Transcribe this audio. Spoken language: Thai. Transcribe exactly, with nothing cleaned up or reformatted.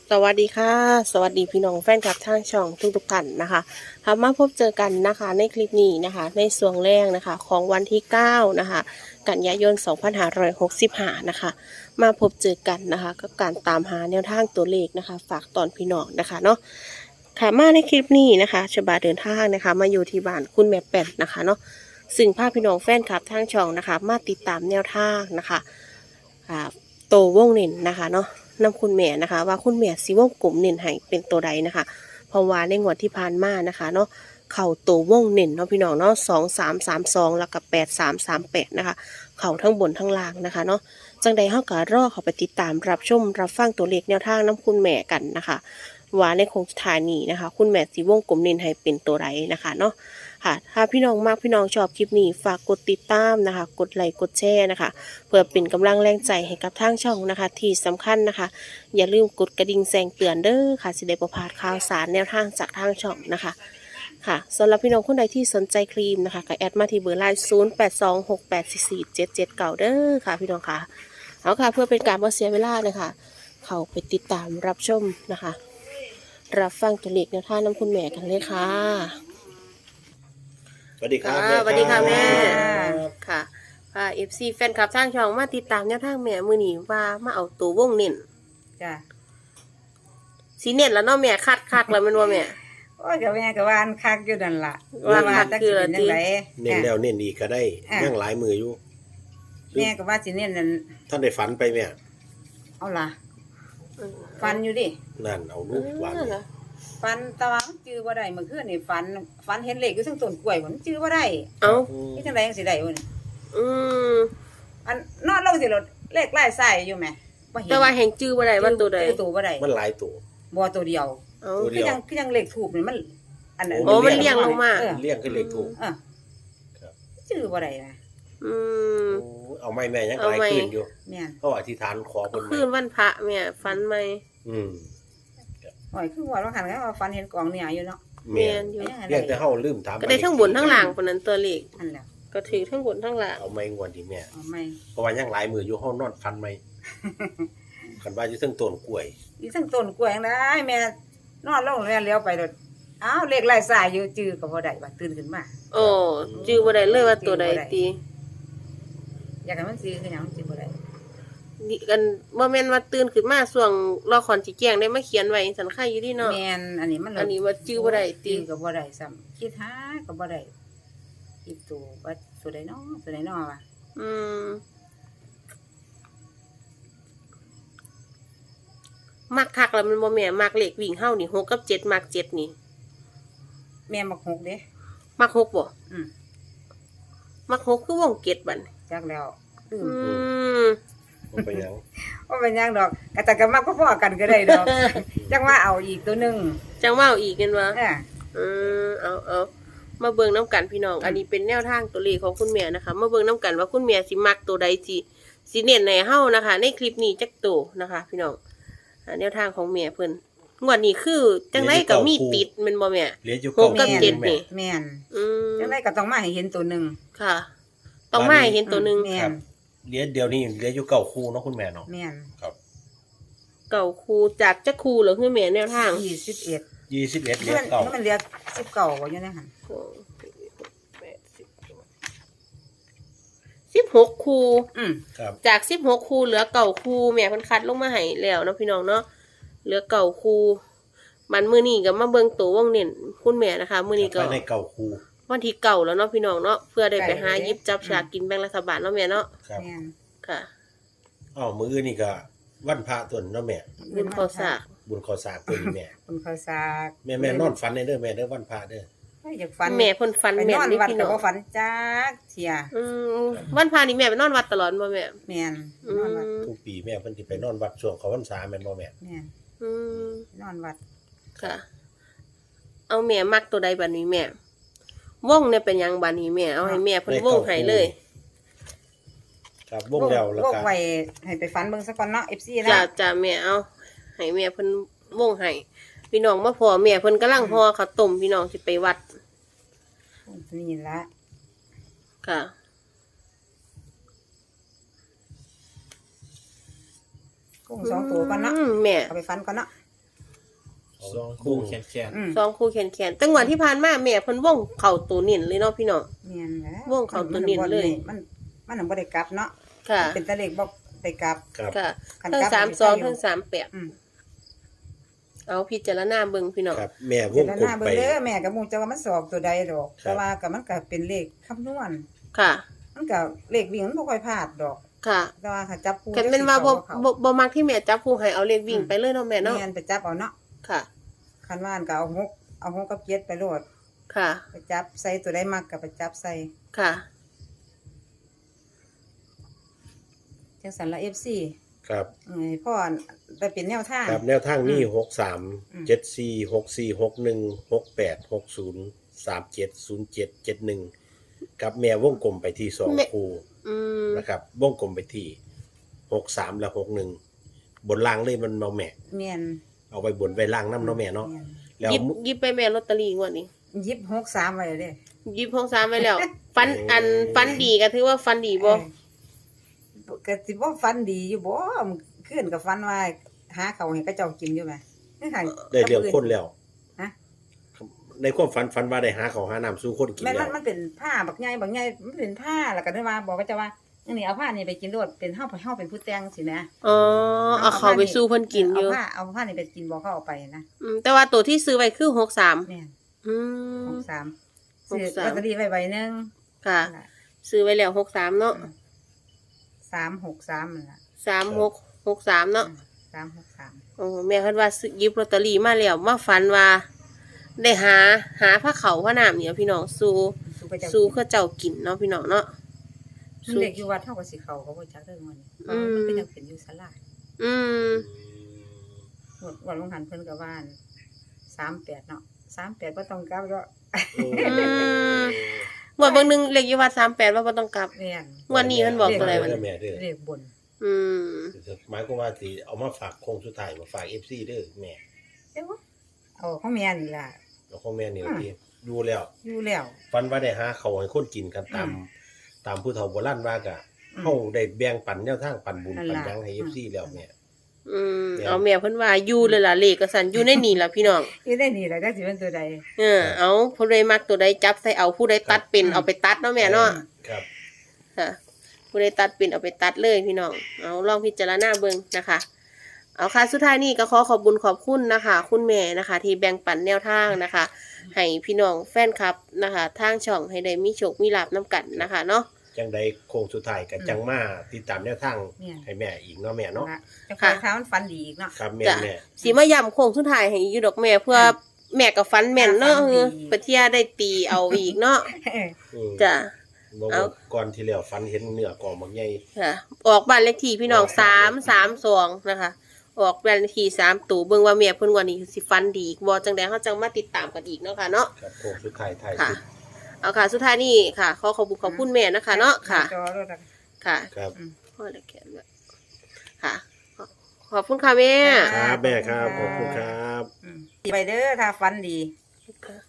สวัสดีค่ะสวัสดีพี่น้องแฟนคลับทางช่องทุกๆท่านนะคะค่ะมาพบเจอกันนะคะในคลิปนี้นะคะในส่วนแรกนะคะของวันที่เก้านะคะกันยายนสองพันห้าร้อยหกสิบห้านะคะมาพบเจอกันนะคะกับการตามหาแนวทางตัวเลขนะคะฝากตอนพี่น้องนะคะเนาะค่ะมาในคลิปนี้นะคะฉบาเดินทางนะคะมาอยู่ที่บ้านคุณแม่แป้นนะคะเนาะซึ่งภาพพี่น้องแฟนคลับทางช่องนะคะมาติดตามแนวทางนะคะอ่าโตวงเน้นนะคะเนาะนำคุณแม่นะคะว่าคุณแม่สิวงกลมเน้นให้เป็นตัวใดนะคะเพราะว่าในงวดที่ผ่านมานะคะเนาะเข่าตัววงเน้นเนาะพี่น้องเนาะสองสามสามสองแล้วก็แปดสามสามแปดนะคะเข่าทั้งบนทั้งล่างนะคะเนาะจังใดเฮาก็รอเขาไปติดตามรับชมรับฟังตัวเลขแนวทางน้ำคุณแม่กันนะคะว่าในโครงสุดท้ายนี้นะคะคุณแม่สิวงกลมเน้นให้เป็นตัวใดนะคะเนาะค่ะถ้าพี่น้องมากพี่น้องชอบคลิปนี้ฝากกดติดตามนะคะกดไลค์กดแชร์นะคะเพื่อเป็นกำลังแรงใจให้กับทางช่องนะคะที่สำคัญนะคะอย่าลืมกดกระดิ่งแจ้งเตือนเด้อค่ะสิได้บ่พลาดข่าวสารแนวทางจากทางช่องนะคะค่ะสำหรับพี่น้องคนใดที่สนใจครีมนะคะก็แอดมาที่เบอร์ไลน์ศูนย์ แปด สอง หก แปด สี่ สี่ เจ็ด เจ็ด เก้าเด้อค่ะพี่น้องค่ะเอาค่ะเพื่อเป็นการบ่เสียเวลาเลยค่ะเข้าไปติดตามรับชมนะคะรับฟังตัวเลขแนวทางน้ำคุณแม่กันเลยค่ะสวัสดีครับค่ะสวัสดีค่ะแม่ครับค่ะค่ะเอฟซีแฟนคลับทางช่องมาติดตามแนวทางแม่มือนี้ว่ามาเอาตัววงเน้นจ้ะสีเน้นแล้วเนาะแม่คัดคักแล้วแมันว่าแม่โอ้ยกับแม่กับวาอันคักอยู่นั่นล่ะว่าคักตักคืสิอเป็นจังไดเน้นแล้วเน้นอีกก็ได้อ่ะยังหลายมืออยู่แม่กับว่าสิเน้นนั่นท่านได้ฝันไปแม่เอาล่ะฟันอยู่ดินั่นเอาลูกหวานเออเนี่ยฟันแตะวันจื้อบ่ได้เมื่อคืนนี่ฟันฟันเห็นเหล็กอยู่ทั้งต้นกล้วยมันจื้อบ่ได้เอานี่จังไดจังสิได้วะนี่อืมอันนอนลงสิรถเลขไล่ไส้อยู่แหมบ่เห็นแต่ว่าแห่งจื้อบ่ได้ว่าตัวใดจื้อตัวบ่ได้มันหลายตัวบ่ตัวเดียวเอาตัวเดีคืยวอยังคือยังเลขถูกนี่มัน อันนั้นโอ้มันเลี่ยงลงมาเออเลี้ยงขึ้นเลขถูกเออครับจื้อบ่ได้นะอืมโอ้เอาไม่แม่ยังหเอาลายไม่ขึ้นอยู่แม่นเพราะว่าอธิษฐานขอคนคืนวันพระแม่ฝันไหมอืมโอ้ยคือว่าเราหันกันว่าฟันเห็นกองเนี่ยอยู่เนาะแม่แม่นอยู่เรียกแต่เฮาลืมถามก็ได้ทั้งบนทั้งล่างคนนั้นตัวเลขอันแล้วก็ถือทั้งบนทั้งล่างเอาไม่งวดที่แม่เอาไม่เพราะว่ายังหลายมืออยู่เฮานอนฟันไหม คันว่าอยู่เทั้งต้นกล้วยอีทั้งต้นกล้วยจั่งได้แม่นอนลงแล้วเลี้ยวไปรถอ้าวเลขไล่สายอยู่จื้อก็บ่ได้ว่าตื่นขึ้นมาโอ้จื้อบ่ได้เลยว่าตัวใดตีอยากให้มันซื้อคือหยังมันสิบ่ได้นี่กันบ่แม่นว่าตื่นขึ้นมาช่วงรอคอนสิแจ้งได้มาเขียนไว้สันค่าอยู่ดีเนาะแม่นอันนี้มันอันนี้ว่าจื้อบ่ได้ติจื้อก็บ่ได้ซ้ำคิดหาก็บ่ได้คิดตัวว่าตัวใดเนาะตัวใดเนาะว่ะอืมมักคักแล้วมันบ่แม่นมักเลขวิ่งเฮานี่หกกับเจ็ดมักเจ็ดนี่แม่มักหกเด้มักหกบ่อืมมักหกคือวงเจ็ดบัดนี้จักแล้วลืมอืมมันไปยังว่าเป็นหยังดอกก็แต่ก็มักพอๆกันก็ได้ดอก จังว่าเอาอีกตัวหนึงจังว่าเอาอีกกันวะเอออืมเอาเอามาเบิ่งน้ำกันพี่น้อง อันนี้เป็นแนวทางตัวเลขของคุณแม่นะคะ มาเบิ่งน้ำกันว่าคุณแม่สิมักตัวใดสิสิเน้นในเฮานะคะ ในคลิปนี้จักตัวนะคะ พี่น้องอ่าแนวทางของแม่เพิ่นงวดนี้คือจังไดก็มีติดแม่นบ่แม่เหลืออยู่หกกับคู่เจ็ดแม่นี่แม่นอืมจังไดก็ต้องมาให้เห็นตัวหนึงค่ะ ต้องมาให้เห็นตัวหนึงแม่ครันบเหลือเดี๋ยวนี้เหลืออยู่เก้าคู่เนาะคุณแม่เนาะแม่นครับเก่าครูจากจักครูเหรอคือแม่แนวทางยี่สิบเอ็ดยี่สิบเอ็ดเหลืมัอน เก้ามันเหลือสิบเก้าบ่อยู่ในหั่นสองสี่หกแปดสิบสิบหกครูอืมครับจากสิบหกครูเหลือเก่าครูแม่เพิ่นคัดลงมาให้แล้วเนาะพี่น้องเนาะเหลือเก่าครูมันมื้อนี้ก็มาเบิ่งตัววงเน้นคุณแม่นะคะมื้อนี้ก็ภายในเก้าคู่วันที่เก่าแล้วเนาะพี่น้องเนาะเพื่อได้ไปหาหยิบจับฉลากกินแบ่งรัฐบาลเนาะแม่เนาะครับแม่นค่ะอ้าวมือนี่ก็วันพระตัวเนาะแม่บุญข้าวสากบุญข้าวสากตัวนี้แม่คุณข้าวสากแม่แม่นอนฝันในเด้อแม่เด้อวันพระเด้อเฮ้ยอยากฝันแม่เพิ่นฟันไปแม่นนอนนี่วัดพี่ก็น้องบ่ฝันจักเที่ยอืมวันพานี่แม่ไปนอนวัดตลอดบ่แม่แม่นอืนอนวัดมทุกปีแม่เพิ่นสิไปนอนวัดช่วงเขาพรรษาแม่นบ่แม่แม่นอืมนอนวัดค่ะ เอาแม่มักตัวใดบัดนี้แม่วงเนี่ยเป็นหยังบัดนี้แม่เอาให้แม่เพิ่นวงให้เลยครับวงแล้วแล้วโรคก็ไว้ให้ไปฝันเบิ่งซะก่อนเนาะ เอฟ ซี นะจ้าจ้าแม่เอาให้แม่เพิ่นวงให้พี่น้องมาพอแม่เพิ่นกำลังห่อข้าวต้มพี่น้องสิไปวัดนี่ละค่ะกุ้งสองตัวก่อนเนาะอืมแม่เอาไปฝันก่อนเนาะสองคู่คู่แขนแขนอืมสองคู่แขนๆตั้งวันที่ผ่านมาแม่เพิ่นว่องเข่าตัวนิ่นเลยเนาะพี่น้องเนียนแล้ววงเขาตัวเนียนเลยมันมันมันบ่ได้กลับเนาะค่ะเป็นตะเลขบ่ได้กลับครับค่ะคันทั้งกลับสามมันสองไปอยู่ทั้งสามแปดอืมเอาพิจารณาเบิ่งพี่น้องครับแม่วเดี๋ยวงหกลมน้าเบิ่ไปงเด้อแม่ก็บ่รู้จักว่ามันสอบตัวใดดอกครับแต่ว่าก็มันก็เป็นเลขคำนวณค่ะมันก็เลขวิ่งมันบ่ค่อยพลาดดอกค่ะแต่ว่าถ้าจับคู่กันเป็นว่าบ่เขาบ่บ่มักที่แม่จับคู่ให้เอาเลขวิ่งไปเลยเนาะแม่เนาะแม่นไปจับเอาเนาะค่ะคันว่าอันก็เอาหกเอาหกกับเจ็ดไปโลดค่ะไปจับใส่ตัวใดมักก็ไปจับใส่ค่ะจังซั่นละ เอฟ ซีครับเอ้ยพ่อไปเป็นแนวทางครับแนวทางมีอืมหกสามอืมเจ็ดสี่หกสี่หกหนึ่งหกแปดหกศูนย์สามเจ็ดศูนย์เจ็ดเจ็ดหนึ่งกับแม่วงกลมไปที่สองแม่คู่อืมนะครับวงกลมไปที่หกสามและหกหนึ่งบนล่างเลยมันเมาแม่แม่นเอาไปบนไปล่างน้ำเนาะแม่เนาะแม่นแล้วหยิบหยิบไปแม่ลอตเตอรี่งวดนี้หยิบหกสามไว้เด้หยิบของสามไว้แล้ว ฟันอันฟันดีก็ถือว่าฟันดีบ่เออก็สิบ่ฟันดีอยู่บ่มันขึ้นกับฟันว่าหาเขาวให้เขาเจ้ากินอยู่แหมนี่ค่ะได้เรื่องคนแล้วฮะในความฝันฝันว่าได้หาเขาวหาน้ำสู้คนกินแม่นแล้มัวนมันเป็นผ้าบักใหญ่บักใหญ่มันเป็นผ้าแล้วก็ได้ว่าบอกก็จะว่าอันนี้เอาผ้านี่ไปกินโลดเป็นเฮาเฮาเป็นผู้แต่งสินะอ๋อเอาเขาไปสู้เพิ่นกินอยู่เอาผ้าเอาผ้านี่ไปกินบอกเขาเอาไปนะอืมแต่ว่าตัวที่ซื้อไว้คือหกสามแม่นอืมหกสามหกซื้อสามลอตเตอรี่ไว้ใบหนึงค่ะ ซื้อไว้แล้วหกสามเนาะสามหกสามนั่นล่ะสามหกหกสามเนาะสามหกสามโอ้แม่คันว่าซื้อหยิบลอตเตอรี่มาแล้วมาฝันว่า ได้หาหาผ้าเขาวผ้าหนามเนี่ยพี่น้องสู้สู้ไปเจ้าสู้เขาเจ้ากินเนาะพี่น้องเนาะมันเด็กอยู่วัดเท่ากับสิเขาเขาบ่จักเรื่องมันอืมมันเป็นยังเป็นอยู่ศาลาอืมหมดวันลงหันเพิ่นก็ว่านสามแปดเนาะสามแปดบ่ต้องกลับก็อืม งวดเบางหนึงเลขอยู่ว่าสามแปดว่าบ่ต้องกลับแม่นงวดนี้มันบอกตัวอะไรวะเด้อแม่เด้อเรียกบนอืมหมายความว่าสิเอามาฝากโคงสุดท้ายมาฝาก เอฟ ซี เด้อแม่เอ้าเอาของแม่นี่ล่ะแล้วของแม่นี่ล่ะที่อยู่แล้วอยู่แล้วฝันว่าได้หาเขาวให้คนกินกันตามอืมตามผู้เฒ่าโบราณว่ากะอืมเฮาได้แบ่งปันแนวทางปันบุญนั่นปันล่ะหยังให้อืเอมฟ ซี แล้วแม่อืมแม่นเอาแม่เพิ่นว่าอยู่เลยล่ะเลขก็สั่นอยู่ในนี่ล่ะพี่น้องอยู่ได้นี่แหละจักสิเป็นตัวใดเออเอาผู้ใดมักตัวใดจับใส่เอาผู้ใดตัดเป็นอืมเอาไปตัดเนาะแม่เนาะครับค่ะผู้ใดตัดเป็นเอาไปตัดเลยพี่น้อง เอาลองพิจารณาเบิ่งนะคะ เอาค่ะสุดท้ายนี้ก็ขอขอบบุญขอบคุณนะคะ คุณแม่นะคะ ที่แบ่งปันแนวทางนะคะ ให้พี่น้องแฟนคลับนะคะทางช่องให้ได้มีโชคมีลาภน้ำกันนะคะเนาะจังใดโคงสุดท้ายก็จังมาติดตามแนวทางเนี่ยให้แม่อีกเนาะแม่เนาะนะจะคอยท้ามันฟันดีอีกเนาะครับแม่จ้ะแม่สีมาย่ำโค้งสุดท้ายให้อยู่ดอกแม่เพื่อแม่กับฟันแม่นเนาะฟันดีเออปะเทียได้ตีเอาอีกเนาะอืมจ้ะบ่เอาว่าก่อนที่แล้วฝันเห็นเนื้อกองบักใหญ่ค่ะ ออกบ้านเลขที่พี่น้องสามสามสองนะคะ ออกบ้านเลขที่สามตู่เบิ่งว่าแม่เพิ่นว่านี่สิฟันดีอีกบ่จังได๋เฮาจังมาติดตามกันอีกเนาะค่ะเนาะครับโคงสุดท้ายท้ายค่ะสุดเอาค่ะ สุดท้ายนี่ค่ะ ขอขอบคุณขอบคุณแม่นะคะเนาะค่ะจอรถอะค่ะครับพ่อได้แขนไว้ค่ะ ขอบคุณค่ะแม่ครับแม่ครับขอบคุณครับอืมไปเด้อถ้าฟันดีค่ะ